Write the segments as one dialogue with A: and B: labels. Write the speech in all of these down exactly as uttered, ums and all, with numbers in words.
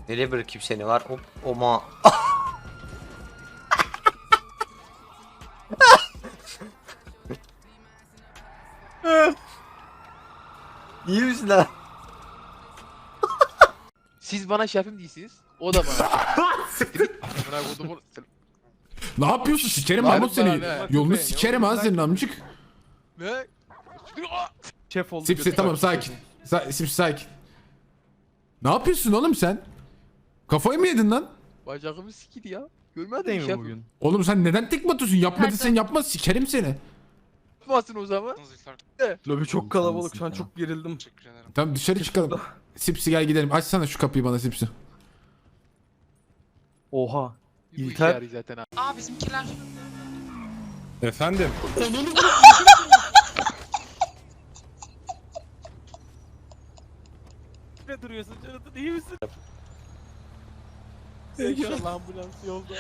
A: Nereye bırakayım seni var? Hop, oma. İyi misin lan?
B: Siz bana şefim değilsiniz. O da bana. Bırak o da
C: Ne yapıyorsun? Sikerim
B: Var
C: Mahmut seni.
B: bana.
C: Yolunu sikerim ha senin amcık.
B: Ne?
D: Şef oldu.
C: Sipsi tamam sakin. Sa Sipsi sakin. Ne yapıyorsun oğlum sen? Kafayı mı yedin lan?
B: Bacağımı sikidi ya. Görmedin
D: Değil
B: mi
D: mi
B: şefim?
D: bugün?
C: Oğlum sen neden tekme atıyorsun? Yapmadıysan yapma sikerim seni.
B: Yapmasın o zaman.
D: Lobi çok kalabalık şu an çok gerildim.
C: Tamam dışarı çıkalım. Sipsi gel gidelim. Açsana şu kapıyı bana Sipsi.
D: Oha.
B: Bu işe
D: İlter.
B: yarıyor zaten ha.
E: Aa bizimkiler.
F: Efendim?
D: Ne duruyorsun Canat'ın iyi misin? İnşallah ambulans yolda.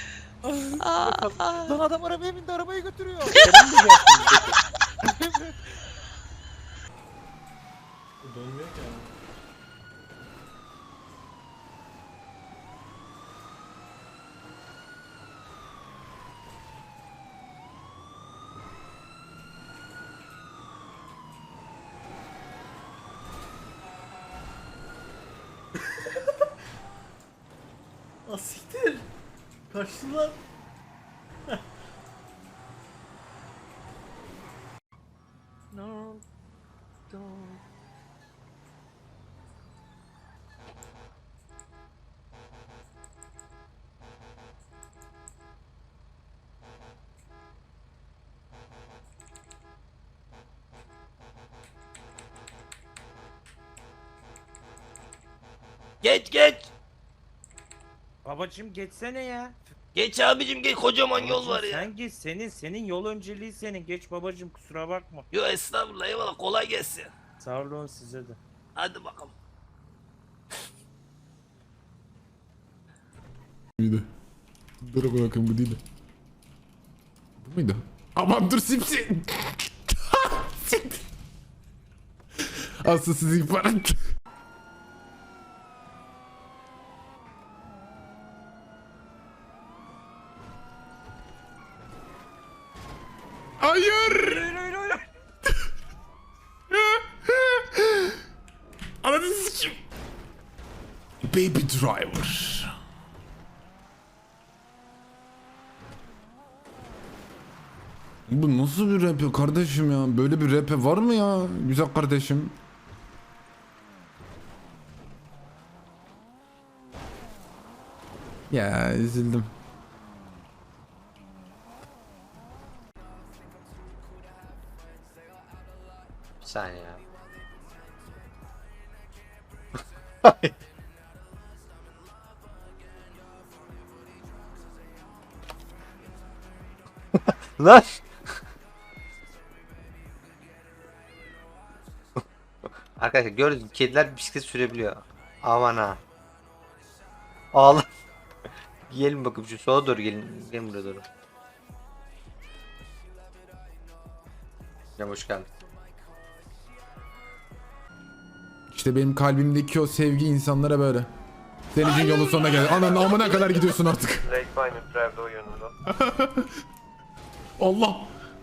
D: Lan adam arabaya bindi arabayı götürüyor.
G: Asiktir. Kaçtılar.
D: No. Don't.
A: Geç geç.
H: Babacım geçsene ya.
A: Geç abicim geç, kocaman yol
H: Babacım
A: var ya.
H: Sen geç, senin senin yol önceliği senin. Geç babacım, kusura bakma.
A: Yo estağfurullah, eyvallah, kolay gelsin.
H: Sağ olun size de.
A: Hadi bakalım.
C: Muydu? Dur bırakın bu değil. Bu muydu? Aman dur Sipsi. Asıl sizi ihbar et. Hayır. Anladın sikim. Baby driver. Bu nasıl bir rap ya kardeşim ya? Böyle bir rap var mı ya? Güzel kardeşim. Ya üzüldüm.
A: Bir saniye ya. Lan. Arkadaşlar gördünüz mü? Kediler bisiklet sürebiliyor. Aman ha. Ağla. Gelin bakayım şu sola doğru gelin. Gelin buraya doğru. Ya hoş geldin.
C: İşte benim kalbimdeki o sevgi insanlara böyle. Senin için yolun sonuna geldi. Ananın amına kadar gidiyorsun artık. Allah.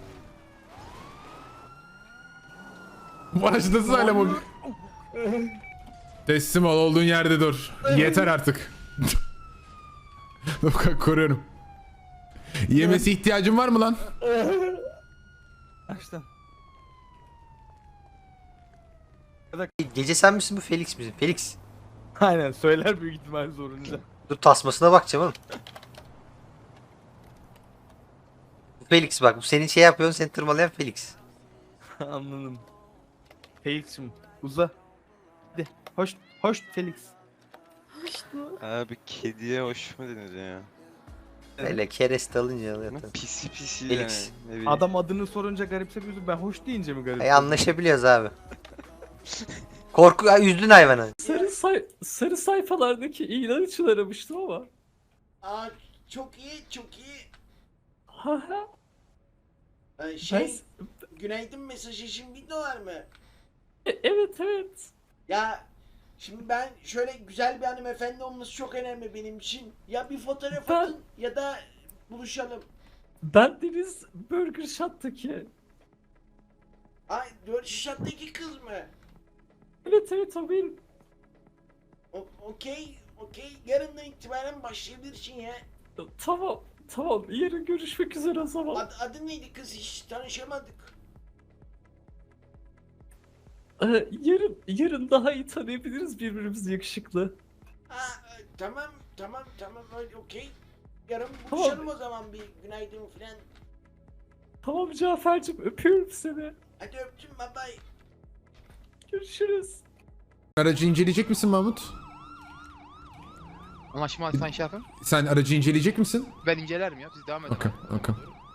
C: Başlasın hala bu. Teslim ol, olduğun yerde dur. Yeter artık. Koruyorum. Yemesi ihtiyacın var mı lan?
D: Açtım.
A: Gece sen misin bu Felix misin? Felix.
D: Aynen söyler büyük ihtimal zorunca.
A: Dur tasmasına bakacağım oğlum. Bu Felix bak, bu senin şey yapıyorsun, seni tırmalayan Felix.
D: Anladım. Felix'im uza. Hadi hoş hoş Felix.
F: Abi kediye hoş mu denir ya?
A: Öyle kereste alınca alıyor
F: Ama
A: tabii.
F: pisi pisi
A: Felix.
F: yani. Ne bileyim.
D: Adam adını sorunca garipsemiyorsun ben hoş deyince mi garip?
A: Ay anlaşabiliyoruz abi. Korku ay, üzdün hayvanı.
I: Sarı, say sarı sayfalardaki ilan için aramıştım ama.
G: Aa, çok iyi, çok iyi.
I: Haha.
G: Ee, şey, günaydın mesajı için bin dolar mı?
I: E- evet evet.
G: Ya Şimdi ben şöyle güzel bir hanımefendi olması çok önemli benim için. Ya bir fotoğraf
I: Ben-
G: atın ya da buluşalım.
I: Ben Deniz Burger Shot'taki.
G: Ay dört şişattaki kız mı?
I: Evet evet o benim.
G: O- Okey, okey. Yarından itibaren başlayabilirsin ya.
I: Tamam tamam yarın görüşmek üzere o zaman.
G: Ad, adı neydi kız? Hiç tanışamadık.
I: Ee, yarın yarın daha iyi tanıyabiliriz birbirimizi yakışıklı.
G: Ha, e, tamam, tamam, tamam. Öyle okey. Yarın
I: Tamam.
G: buluşalım o zaman bir günaydın falan.
I: Tamam Cafer'cim öpüyorum seni.
G: Hadi öptüm, bye bye.
I: Görüşürüz.
C: Aracı inceleyecek misin Mahmut?
B: Anlaşma Sayın Şefim.
C: Sen aracı inceleyecek misin?
B: Ben incelerim ya. Siz devam edin.
C: Okey, okey.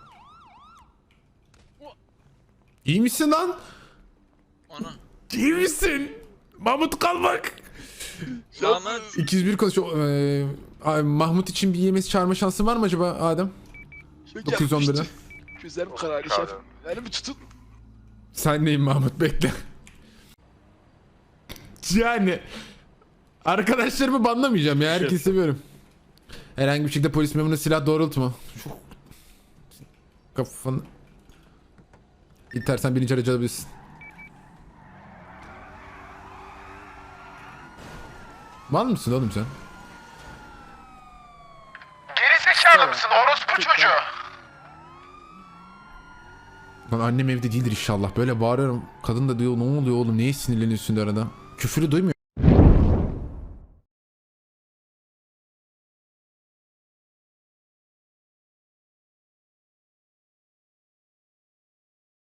C: İyi misin lan?
F: Ana.
C: İyi misin? Mahmut kalmak.
F: Mahmut.
C: iki yüz bir konuşuyor. Ee, ay, Mahmut için bir yemesi çağırma şansın var mı acaba Adem? dokuz yüz on bir'den.
B: Gözlerim kararlı şefim. Beni bir tutun.
C: Sen neyim Mahmut bekle. Yani arkadaşlarımı banlamayacağım ya herkesi seviyorum. Herhangi bir şekilde polis memuruna silah doğrultma. Şu kafanı. İtersen birinci aracı alabilirsin. Mal mısın oğlum sen?
B: Gerizekalı mısın orospu çocuğu?
C: Lan annem evde değildir inşallah. Böyle bağırıyorum. Kadın da diyor ne oluyor oğlum niye sinirleniyorsun diyor arada. Küfürü duymuyor.